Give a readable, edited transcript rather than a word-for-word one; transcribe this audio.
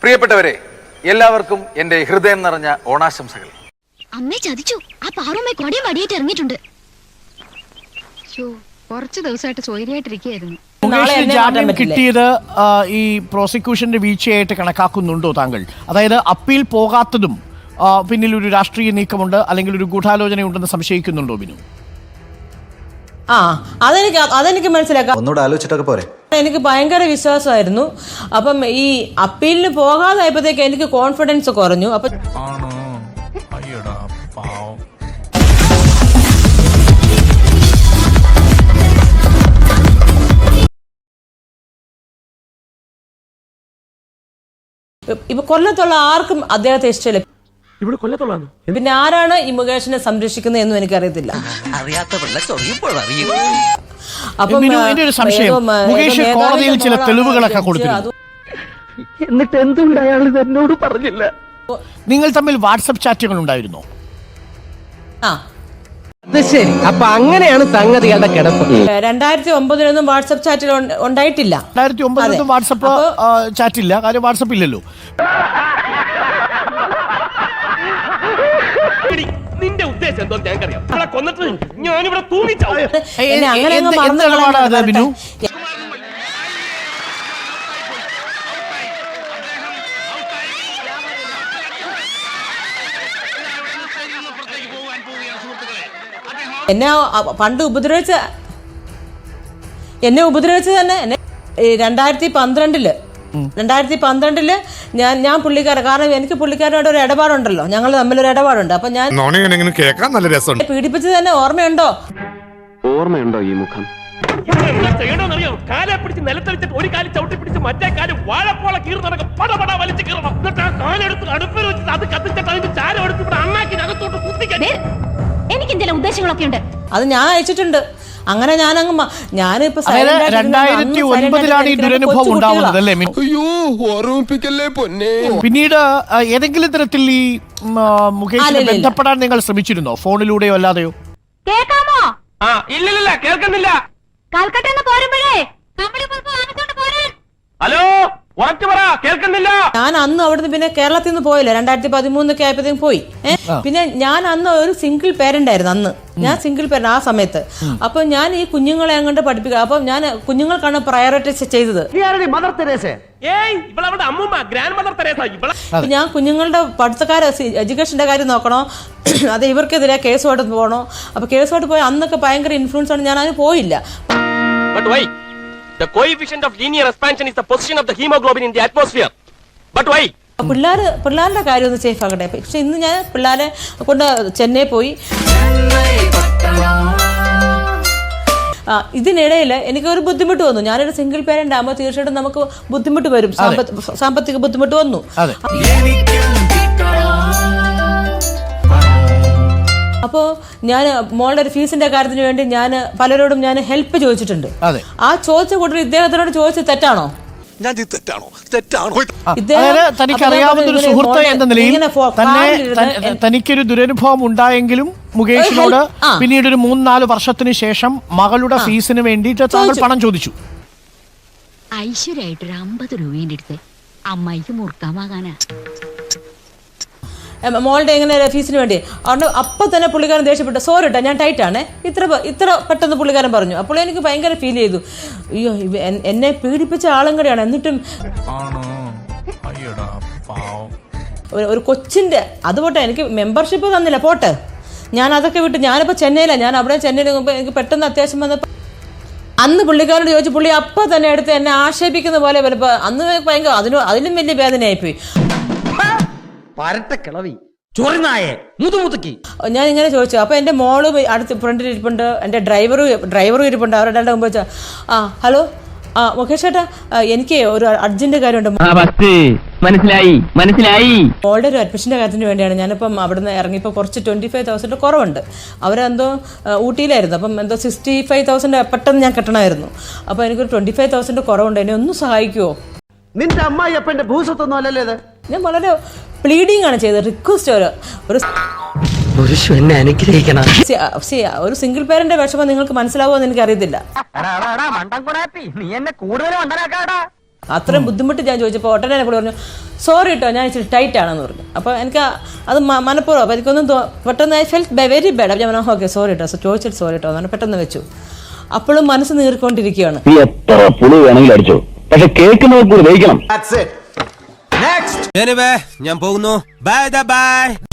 പ്രിയപ്പെട്ടവരെ, എല്ലാവർക്കും എന്റെ ഹൃദയം നിറഞ്ഞ ഓണാശംസകൾ. അമ്മേ ചതിച്ചു. ആ പാറുമ്മ കൊടിയും വടിയായിട്ട് ഇറങ്ങിയിട്ടുണ്ട്. കുറച്ച് ദിവസമായിട്ട് സ്വൈര്യമായിട്ടിരിക്കുകയായിരുന്നു. ജാമ്യം കിട്ടിയത് ഈ പ്രോസിക്യൂഷന്റെ വീഴ്ചയായിട്ട് കണക്കാക്കുന്നുണ്ടോ താങ്കൾ? അതായത് അപ്പീൽ പോകാത്തതും പിന്നിൽ ഒരു രാഷ്ട്രീയ നീക്കമുണ്ട് അല്ലെങ്കിൽ ഒരു ഗൂഢാലോചനയുണ്ടെന്ന് സംശയിക്കുന്നുണ്ടോ ബിനു? അതെനിക്ക് മനസ്സിലാക്കാം. ഒന്നുകൂടെ ആലോചിച്ചിട്ടൊക്കെ പോരെ. എനിക്ക് ഭയങ്കര വിശ്വാസമായിരുന്നു. അപ്പം ഈ അപ്പീലിന് പോകാതായപ്പോഴത്തേക്ക് എനിക്ക് കോൺഫിഡൻസ് കുറഞ്ഞു. അപ്പൊ ഇപ്പൊ കൊല്ലത്തുള്ള ആർക്കും അദ്ദേഹത്തെ ഇഷ്ടമില്ല. പിന്നെ ആരാണ് ഈ മുകേഷിനെ സംരക്ഷിക്കുന്നത് എന്നും എനിക്കറിയത്തില്ല. കോടതിയിൽ ചില തെളിവുകളൊക്കെ കൊടുത്തിരുന്നു. എന്നിട്ട് എന്തുകൊണ്ട് അയാൾ എന്നോട് പറഞ്ഞില്ല? നിങ്ങൾ തമ്മിൽ വാട്സപ്പ് ചാറ്റുകൾ ഉണ്ടായിരുന്നോ? ശരി, അപ്പൊ അങ്ങനെയാണ് സംഗതികളുടെ കിടപ്പ്. 2009 വാട്സപ്പ് ചാറ്റിൽ ഉണ്ടായിട്ടില്ല. 2009 വാട്സപ്പ് ചാറ്റില്ല, കാര്യം വാട്സപ്പ് ഇല്ലല്ലോ. നിന്റെ ഉദ്ദേശം എന്തോ ഞങ്ങൾക്കറിയാം. കൊന്നിട്ട് ഞാനിവിടെ തൂങ്ങിച്ചാവും. ബിനു, എന്നെ പണ്ട് ഉപദ്രവിച്ച തന്നെ 2012 ഞാൻ പുള്ളിക്കാരൻ, കാരണം എനിക്ക് പുള്ളിക്കാരനോട് ഒരു ഇടപാടുണ്ടല്ലോ, ഞങ്ങൾ തമ്മിലൊരു ഇടപാടുണ്ട്. അപ്പൊ ഞാൻ പീഡിപ്പിച്ചത് തന്നെ ഓർമ്മയുണ്ടോ ഈ മുഖം? ചെയ്യണമെന്നറിയോ? കാലെ പിടിച്ച് നിലത്തടിച്ചിട്ട് ഒരു കാലം ചവിട്ടി പിടിച്ച് മറ്റേ കാലം വാഴപ്പോള കീറുന്നതൊക്കെ പടപട വലിച്ചു കീറണം. എന്നിട്ട് ആ കാലെടുത്ത് അടുപ്പിൽ വെച്ചിട്ട് അത് കത്തിച്ചിട്ട് അതിന്റെ ചാരം എടുത്ത് ഇവിടെ അണ്ണാക്കിനകത്തോട്ട് കുത്തിക്കാൻ. എനിക്ക് എന്തെങ്കിലും ഉദ്ദേശങ്ങളൊക്കെ ഉണ്ട്. അത് ഞാൻ അയച്ചിട്ടുണ്ട്. അങ്ങനെ ഞാനിപ്പോ 2009 ഈ ദുരനുഭവം ഉണ്ടാവുന്നത് അല്ലേ? പിന്നീട് ഏതെങ്കിലും തരത്തിൽ ഈ മുകേഷിനെ ബന്ധപ്പെടാൻ നിങ്ങൾ ശ്രമിച്ചിരുന്നോ, ഫോണിലൂടെയോ അല്ലാതെയോ? കേൾക്കാമോ? ഇല്ലില്ല, കേൾക്കുന്നില്ല. കൽക്കട്ടന്ന് പോരുമ്പോഴേ ഹലോ, ഉറച്ചു പറ, കേൾക്കുന്നില്ല. ഞാൻ അന്ന് അവിടുന്ന് പിന്നെ കേരളത്തിൽ നിന്ന് പോയില്ല. 2013 ആയപ്പോഴത്തേക്കും പോയി. പിന്നെ ഞാൻ അന്ന് ഒരു സിംഗിൾ പേരന്റ് ആയിരുന്നു. അന്ന് ഞാൻ സിംഗിൾ പേരന്റ് ആ സമയത്ത്. അപ്പൊ ഞാൻ ഈ കുഞ്ഞുങ്ങളെ അങ്ങോട്ട് പഠിപ്പിക്കുക. അപ്പൊ ഞാൻ കുഞ്ഞുങ്ങൾക്കാണ് പ്രയോറിറ്റൈസ് ചെയ്തത്. ഞാൻ കുഞ്ഞുങ്ങളുടെ പഠിത്തക്കാരെ എഡ്യൂക്കേഷന്റെ കാര്യം നോക്കണോ, അത് ഇവർക്കെതിരെ കേസുമായിട്ട് പോകണോ? അപ്പൊ കേസുമായിട്ട് പോയി അന്നൊക്കെ ഭയങ്കര ഇൻഫ്ലുവൻസ് ആണ്. ഞാൻ അതിന് പോയില്ല. The coefficient of linear expansion is the position of the hemoglobin in the atmosphere. But why? പിള്ളേരുടെ കാര്യം ഒന്ന് സേഫ് ആകട്ടെ. പക്ഷെ ഇന്ന് ഞാൻ പിള്ളേരെ കൊണ്ട് ചെന്നൈ പോയി. ഇതിനിടയിൽ എനിക്കൊരു ബുദ്ധിമുട്ട് വന്നു. ഞാനൊരു സിംഗിൾ പേരന്റ് ആകുമ്പോൾ തീർച്ചയായിട്ടും നമുക്ക് ബുദ്ധിമുട്ട് വരും, സാമ്പത്തിക ബുദ്ധിമുട്ട് വന്നു. അപ്പോൾ ഞാൻ മോളുടെ ഒരു ഫീസിന്റെ കാര്യത്തിന് വേണ്ടി ഞാൻ പലരോടും ഞാൻ ഹെൽപ്പ് ചോദിച്ചിട്ടുണ്ട്. ആ ചോദിച്ച കൂട്ടർ ഇദ്ദേഹത്തിനോട് ചോദിച്ചത് തെറ്റാണോ? തനിക്കൊരു ദുരനുഭവം ഉണ്ടായെങ്കിലും മുകേഷിനോട് പിന്നീട് ഒരു 3-4 വർഷത്തിന് ശേഷം മകളുടെ ഫീസിന് വേണ്ടിയിട്ട് താങ്കൾ പണം ചോദിച്ചു. ഐശ്വര്യായിട്ടൊരു 50 രൂപേന്റെ അടുത്ത് അമ്മായിക്ക് മുറുക്കാമാകാനാ മോളുടെ എങ്ങനെ ഫീസിന് വേണ്ടി. അതുകൊണ്ട് അപ്പം തന്നെ പുള്ളിക്കാരൻ ദേഷ്യപ്പെട്ടു. സോറി കേട്ടോ, ഞാൻ ടൈറ്റാണ്, ഇത്ര പെട്ടെന്ന് പുള്ളിക്കാരൻ പറഞ്ഞു. അപ്പോൾ എനിക്ക് ഭയങ്കര ഫീൽ ചെയ്തു. അയ്യോ, എന്നെ പീഡിപ്പിച്ച ആളും കൂടെയാണ്. എന്നിട്ടും ഒരു കൊച്ചിന്റെ അത് പോട്ടെ, എനിക്ക് മെമ്പർഷിപ്പ് തന്നില്ല, പോട്ടെ, ഞാൻ അതൊക്കെ വിട്ട് ഞാനിപ്പോൾ ചെന്നൈയിലാണ്. ഞാൻ അവിടെ ചെന്നൈയിൽ എനിക്ക് പെട്ടെന്ന് അത്യാവശ്യം വന്നപ്പോൾ അന്ന് പുള്ളിക്കാരോട് ചോദിച്ചു. പുള്ളി അപ്പം തന്നെ എടുത്ത് എന്നെ ആക്ഷേപിക്കുന്ന പോലെ അന്ന് ഭയങ്കര അതിലും വലിയ വേദനയായിപ്പോയി. ഞാൻ ഇങ്ങനെ ചോദിച്ചു. അപ്പൊ എന്റെ മോള് അടുത്ത് ഫ്രണ്ടിൽ ഇരിപ്പുണ്ട്, എന്റെ ഡ്രൈവറും ഇരിപ്പുണ്ട്. അവരുടെ മുമ്പ് വെച്ചാൽ ഹലോ മുകേഷ് ചേട്ടാ, എനിക്ക് ഒരു അർജന്റ് കാര്യമുണ്ട്. മനസ്സിലായി. മോളുടെ ഒരു അഡ്മിഷന്റെ കാര്യത്തിന് വേണ്ടിയാണ്. ഞാനിപ്പം അവിടുന്ന് ഇറങ്ങിയപ്പോൾ കുറച്ച് 25,000 കുറവുണ്ട്. അവരെന്തോ ഊട്ടിയിലായിരുന്നു. അപ്പം എന്തോ 65,000 പെട്ടെന്ന് ഞാൻ കെട്ടണമായിരുന്നു. അപ്പൊ എനിക്കൊരു 25,000 കുറവുണ്ട്. എന്നെ ഒന്ന് സഹായിക്കുമോ? നിന്റെ അമ്മായി അപ്പന്റെ ഭൂസ്വത്തൊന്നും അല്ലല്ലേ ഇത്? ഞാൻ വളരെ പ്ലീഡിംഗ് ആണ് ചെയ്തത്, റിക്വസ്റ്റ്. ഒരു സിംഗിൾ പേരന്റ് വിഷമം നിങ്ങൾക്ക് മനസ്സിലാവുമെന്ന് എനിക്ക് അറിയത്തില്ല. അത്രയും ബുദ്ധിമുട്ട് ഞാൻ ചോദിച്ചപ്പോൾ ഉടനെ എന്നോട് പറഞ്ഞു സോറി കേട്ടോ ഞാൻ ഇച്ചിരി ടൈറ്റ് ആണെന്ന് പറഞ്ഞു. അപ്പോൾ എനിക്ക് അത് മനഃപൂർവ്വം അപ്പോൾ എനിക്കൊന്നും പെട്ടെന്ന് ഐ ഫെൽറ്റ് വെരി ബാഡ്. അപ്പോൾ ഞാൻ പറഞ്ഞു ഓക്കെ സോറി കേട്ടോ ചോദിച്ചിട്ട് സോറി കേട്ടോ എന്ന് പെട്ടെന്ന് വെച്ചു. അപ്പോഴും മനസ്സ് നീറിക്കൊണ്ടിരിക്കുകയാണ്. നീ എത്ര പുളി വേണമെങ്കിലും അടിച്ചോ, പക്ഷെ കേൾക്കുന്നവർ കൂടി ദഹിക്കണം. ഞാൻ പോകുന്നു. Bye by.